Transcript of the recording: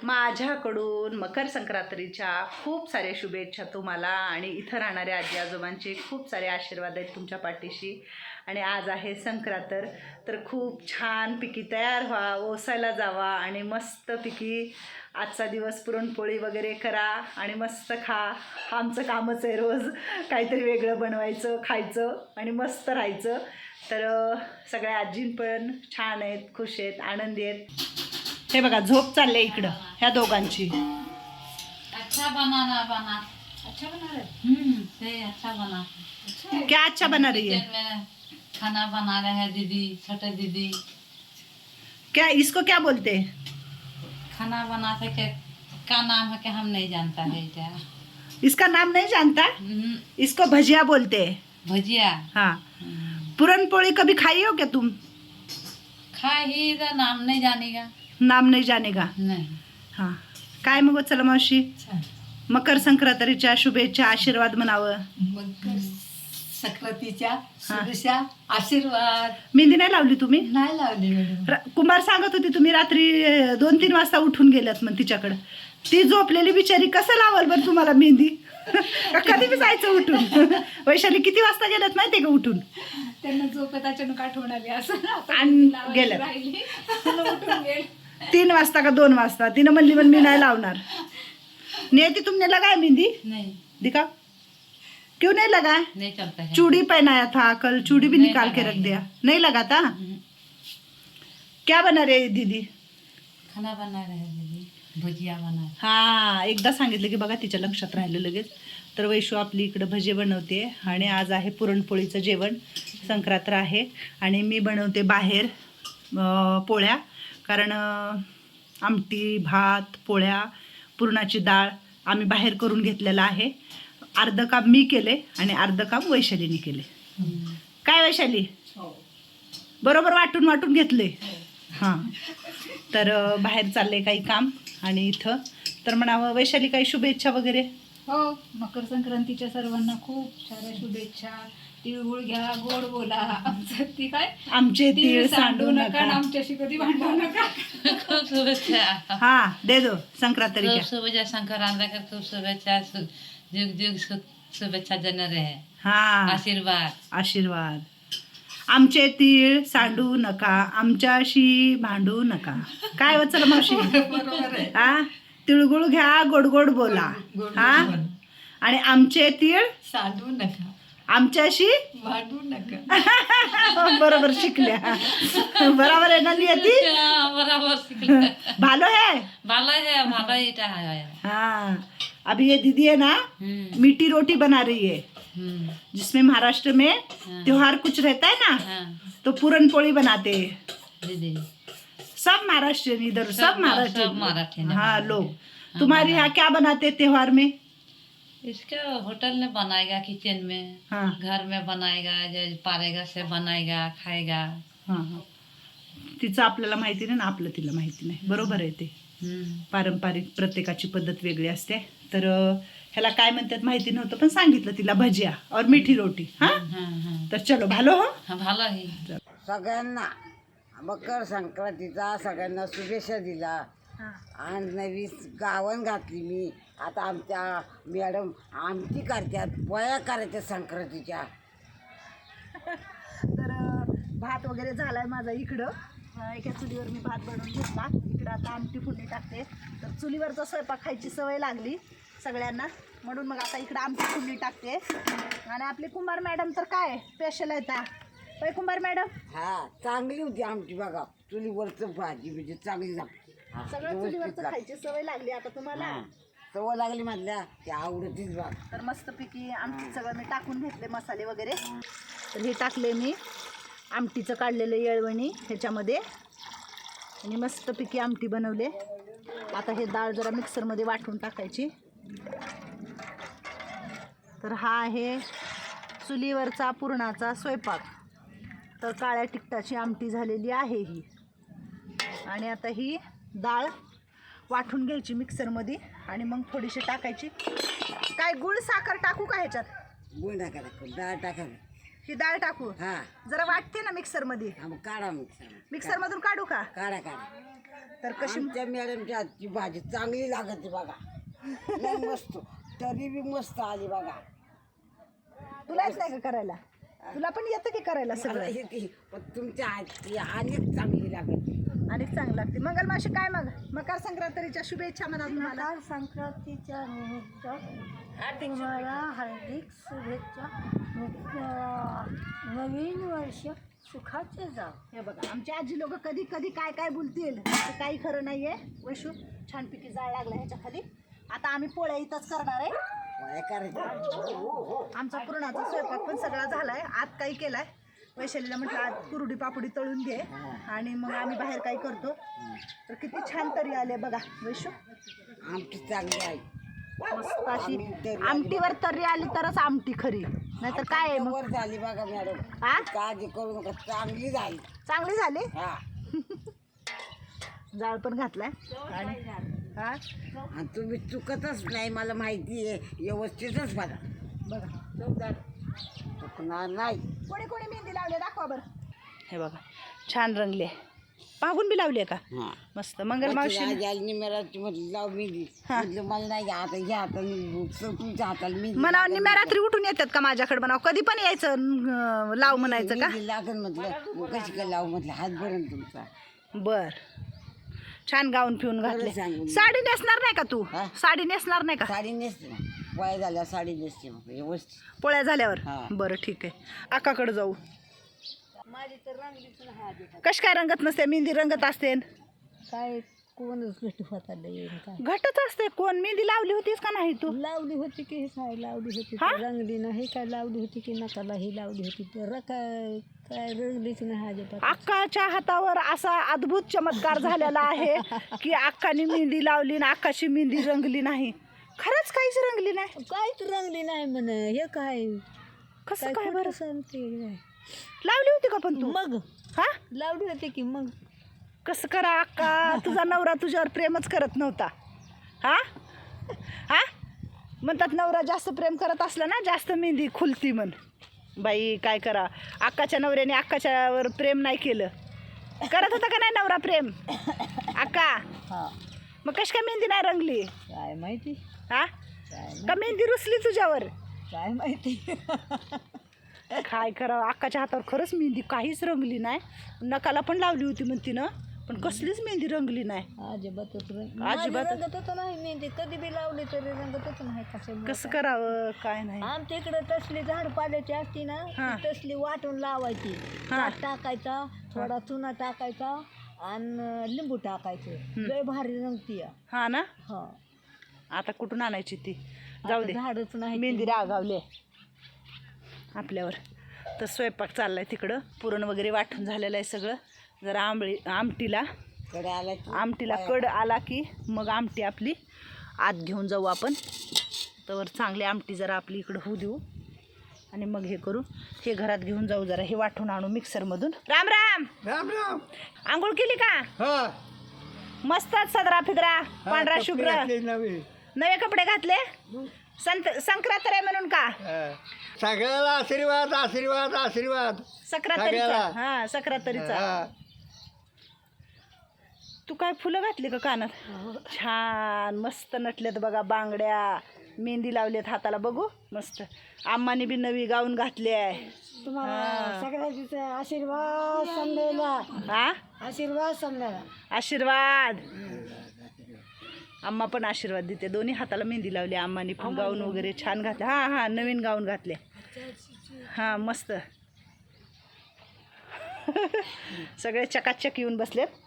माझ्याकडून मकर संक्रांतीच्या खूप साऱ्या शुभेच्छा तुम्हाला आणि इथं राहणाऱ्या आजी आजोबांचे खूप सारे आशीर्वाद आहेत तुमच्या पाठीशी. आणि आज आहे संक्रांत, तर खूप छानपैकी तयार व्हा, ओसायला जावा आणि मस्तपैकी आजचा दिवस पुरणपोळी वगैरे करा आणि मस्त खा. आमचं कामच आहे रोज काहीतरी वेगळं बनवायचं, खायचं आणि मस्त राहायचं. तर सगळ्या आजी पण छान आहेत, खुश आहेत, आनंदी आहेत. हे बघा झोप चालले इकडं ह्या दोघांची. अच्छा बनाना बना अच्छा बना रहे से अच्छा बना क्या अच्छा बना रही है? किचन में खाना बना रहे हैं दीदी, छोटे दीदी। क्या इसको क्या बोलते हैं? खाना बनाते के का नाम है कि हम नहीं जानता है क्या। इसका नाम नहीं जानता, इसको भजिया बोलते हैं। भजिया। हाँ, पुरणपोळी कभी खाई हो क्या तुम? खाए ही तो नाम नहीं जानेगा। नाम नहीं जानेगा। नहीं। हां, काय मग चला मावशी, मकर संक्रांतीच्या शुभेच्छा, आशीर्वाद म्हणावं. मकर संक्रांतीच्या शुभेच्छा, आशीर्वाद. मेहंदी नाही लावली तुम्ही? नाही लावली मॅडम. कुंभार सांगत होती तुम्ही रात्री 2-3 वाजता उठून गेल्यात मग तिच्याकडं. ती झोपलेली बिचारी कसं लावल बरं तुम्हाला मेहंदी? कधी बी जायचं उठून. वैशाली किती वाजता गेल्यात माहिती आहे का उठून? त्यांना झोपेत अचानक आठवण आली असं आणि गेल्यात राहिली उठून गेले 3 वाजता का 2 वाजता. तिनं म्हणली पण मी नाही लावणार. नियति तुमने लगाया मेहंदी? नहीं। दिखा, क्यों नहीं लगा? नहीं चलता है। चूड़ी पहनाया था कल, चूड़ी भी नहीं निकाल के रख लगाई। दिया. नहीं लगा था? क्या बना रहे दीदी? खाना बना रहे हैं दीदी, भजिया बना। हा, एकदा सांगितलं की बघा तिच्या लक्षात राहिलं लगेच. तर वैशू आपली इकडं भजे बनवते आणि आज आहे पुरणपोळीचं जेवण. संक्रांत आहे आणि मी बनवते बाहेर पोळ्या, कारण आमटी, भात, पोळ्या, पुरणाची डाळ आम्ही बाहेर करून घेतलेलं आहे. अर्धं काम मी केले आणि अर्धं काम वैशालीने केले. काय वैशाली? बरोबर वाटून वाटून घेतले. हां, तर बाहेर चालले काही काम आणि इथं तर म्हणावं वैशाली काही शुभेच्छा वगैरे. हो, मकर संक्रांतीच्या सर्वांना खूप साऱ्या शुभेच्छा. तिळगुळ घ्या, गोड बोला. आमचं ती काय, आमचे तीळ तीळ सांडू सांडू नका नका. आणि आमच्याशी कधी भांडू नका. खूब शुभेच्छा। हा, दे दो संक्रांती खूब शुभेच्छा संक्रांति का, खूब शुभेच्छा। जुग जुग शुभेच्छा देने रहे। हा, आशीर्वाद। आशीर्वाद. आमचे तीळ सांडू नका, आमच्याशी भांडू नका. काय वचल मावशी? बरोबर आहे. हा, तिळगुळ घ्या, गोड गोड बोला. हा, आणि आमचे तीळ सांडू नका, आमच्याशी भांडू नका. बरोबर शिकल्या. बराबर है ना नियति? बराबर सीखा। भालो है? भालो है, भालो ही है। हाँ, अभी ये दीदी है ना मीठी रोटी बना रही है, जिसमें महाराष्ट्र में त्योहार कुछ रहता है ना, तो पूरनपोली बनाते हैं दीदी। सब महाराष्ट्र इधर, सब महाराष्ट्र महाराष्ट्र। हाँ लोग. तुम्हारे यहाँ क्या बनाते हैं त्योहार में? इसका होटल में बनाएगा, किचन में, हाँ घर में बनाएगा, जो पारेगा से बनाएगा, खाएगा। हाँ हाँ, तिचं आपल्याला माहिती नाही ना, आपलं तिला माहिती नाही. बरोबर आहे ते. पारंपरिक प्रत्येकाची पद्धत वेगळी असते. तर ह्याला काय म्हणतात माहिती नव्हतं, पण सांगितलं तिला भजिया और मिठी रोटी. हा, तर चलो भालो. हो, भालो ही. सगळ्यांना मकर संक्रांतीचा सगळ्यांना शुभेच्छा दिला आणि नवी गावन घातली मी. आता आमच्या मॅडम आमटी करतात, पोळ्या करायच्या संक्रांतीच्या. तर भात वगैरे झालाय माझा इकडं. एका चुलीवर मी भात बनवून घेतला. इकडं आता आमटी फोडणी टाकते. तर चुलीवरचा स्वयंपाक खायची सवय लागली सगळ्यांना, म्हणून मग आता इकडं आमटी फोडणी टाकते. आणि आपली कुंभार मॅडम तर काय स्पेशल आहे ता होय कुंभार मॅडम? हा, चांगली होती आमटी बघा. चुलीवरचं भाजी म्हणजे चांगली लागते. सगळं चुलीवरचं खायची सवय लागली आता तुम्हाला. सवय लागली म्हटल्या ते आवडतीच बघ. तर मस्तपैकी आमटी सगळं मी टाकून घेतले, मसाले वगैरे. तर हे टाकले मी आमटीचं काढलेलं येळवणी ह्याच्यामध्ये आणि मस्तपैकी आमटी बनवले. आता हे डाळ जरा मिक्सरमध्ये वाटून टाकायची. तर हा आहे चुलीवरचा पुरणाचा स्वयंपाक. तर काळ्या तिखटाची आमटी झालेली आहे ही. आणि आता ही डाळ वाटून घ्यायची मिक्सरमध्ये आणि मग थोडीशी टाकायची. काय गुळ साखर टाकू का ह्याच्यात? गुळ टाकायला, डाळ टाकायला. ही डाळ टाकू? हा, जरा वाटते ना मिक्सरमध्ये. मग काढा मिक्सरमधून काढू का? काढा. तर कशी आमच्या मॅडमच्या हातची भाजी चांगली लागते बघा. लय मस्त, तरी बी मस्त आली बघा. तुला येत नाही का करायला? तुला पण येतं की करायला मला सगळं? येते, पण तुमच्या हातची अनेक चांगली लागते. आणि चांगलं लागते. मंगल मावशी काय मग मकर संक्रांतीच्या शुभेच्छा म्हणा तुम्हाला. मकर संक्रांतीच्या निमित्त तुम्हाला हार्दिक शुभेच्छा. नवीन वर्ष सुखाचे जाव. हे बघा आमची आजी लोक कधी कधी काय काय बोलतील असं काही खरं नाहीये. वैशू छानपैकी जाळ लागला ह्याच्या खाली. आता आम्ही पोळ्या इथंच करणार आहे. काय करायचं? आमचा पुरणाचा स्वयंपाक पण सगळा झालाय. आत काही केलाय. वैशालीला म्हटलं आज कुरडी पापडी तळून घे आणि मग आम्ही बाहेर काही करतो. तर किती छान तरी आले बघा वैशू. आमची चांगली आहे. मस्त अशी आमटीवर तरी आली तरच आमटी खरी, नाहीतर काय आहे मग. वर झाली बघा मॅडम. हा काळजी करू नका, चांगली झाली. चांगली झाली. हा. जाळ पण घातलाय आणि हा आणि तुम्ही चुकतच नाही, मला माहिती आहे. व्यवस्थितच बघा. बघा चुकणार नाही. कोणी कोणी मेहंदी लावली दाखवा बरं. हे बघा छान रंगले. पाहून बी लावली का? हा. मस्त. मंगल मावशी निमेराची म्हटलं लाव मेहंदी. म्हटलं मला नाही आता घ्या आता तुमच्या हाताला मेहंदी मला निम्या रात्री उठून येतात का माझ्याकडे म्हणावं? कधी पण यायचं लाव म्हणायचं का? मेहंदी लागेल म्हटलं. मग कशी काय लाव म्हटलं, हात भरून तुमचा. बर. छान गाऊन पिऊन घातले. सांगून. साडी नेसणार नाही का तू? हा? साडी नेसणार नाही का? साडी नेसते ना, वय झाल्या साडी नेसते मग व्यवस्थित. पोळ्या झाल्यावर? हा. बरं ठीक आहे. आकाकडे जाऊ. कश काय रंगत नसते? मेहंदी रंगत असते. काय कोणच घट होता काय घटच असते. कोण मेहंदी लावली होतीस का नाही तू? लावली होती की काय लावली होती हा? रंगली नाही. काय लावली होती की नकालाही लावली होती तर काय काय रंगलीच नाही अजिबात. अक्काच्या हातावर असा अद्भुत चमत्कार झालेला आहे की अक्काने मेहंदी लावली ना अक्काची मेहंदी रंगली नाही. खरंच काहीच रंगली नाही. काहीच रंगली नाही म्हण. हे काय कसं काय बरं? सांगते लावली होती का पण तू? मग हा लावली होती की मग. कसं करा अक्का? तुझा नवरा तुझ्यावर प्रेमच करत नव्हता. हा हा म्हणतात नवरा जास्त प्रेम करत असला ना जास्त मेहंदी खुलती म्हण. बाई काय करा, अक्काच्या नवऱ्याने अक्काच्यावर प्रेम नाही केलं. करत होता का नाही नवरा प्रेम अक्का? हा मग कशी काय मेहंदी नाही रंगली? काय माहिती. हा काय का मेहंदी रुसली तुझ्यावर? काय माहिती. काय करावं, अक्काच्या हातावर खरंच मेहंदी काहीच रंगली नाही. नकाला पण लावली होती म्हणती ना, पण कसलीच मेहंदी रंगली नाही. अजिबातच अजिबात. रंगतच नाही मेहंदी. कधी बी लावली तरी रंगतच नाही. कसं करावं काय नाही. आमच्या इकडे तसली झाड पाल्याची असती ना, हा. ती तसली वाटून लावायची. हा. ताक टाकायचा, थोडा चुना टाकायचा आणि लिंबू टाकायचं. लय भारी रंगती. हा ना. हा आता कुठून आणायची ती? जाऊ दे, झाडच नाही. मेहंदी रागावले आपल्यावर. तर स्वयंपाक चाललाय तिकडं. पुरण वगैरे वाटून झालेलं आहे सगळं. जरा आमटीला कडे आला की आमटीला कड आला की मग आमटी आपली आत घेऊन जाऊ आपण. तर चांगली आमटी जरा आपली इकडं होऊ देऊ आणि मग हे करू. हे घरात घेऊन जाऊ. जरा हे वाटून आणू मिक्सरमधून. राम राम. राम राम. आंघोळ केली का? हा. मस्तच सदरा फिदरा पांढरा शुभ्र नवीन. नवे कपडे घातले. संक्रांत आहे म्हणून का? सगळ्याला आशीर्वाद आशीर्वाद आशीर्वाद. सक्रातरीचा. सगळ्याला. हा सक्रातरीचा. हा. तू काय फुलं घातली का कानात? छान मस्त नटलेत बघा. बांगड्या मेहंदी लावलेत हाताला. बघू मस्त. आम्माने बी नवी गाऊन घातली आहे. तुम्हाला सगळ्याचा आशीर्वाद समजायला. हा आशीर्वाद समजायला. आशीर्वाद. आम्मा पण आशीर्वाद देते. दोन्ही हाताला मेहंदी लावली. आम्माने पण गाऊन वगैरे छान घातले. हा हा नवीन गाऊन घातले. हा मस्त. सगळे चकाचक येऊन बसलेत.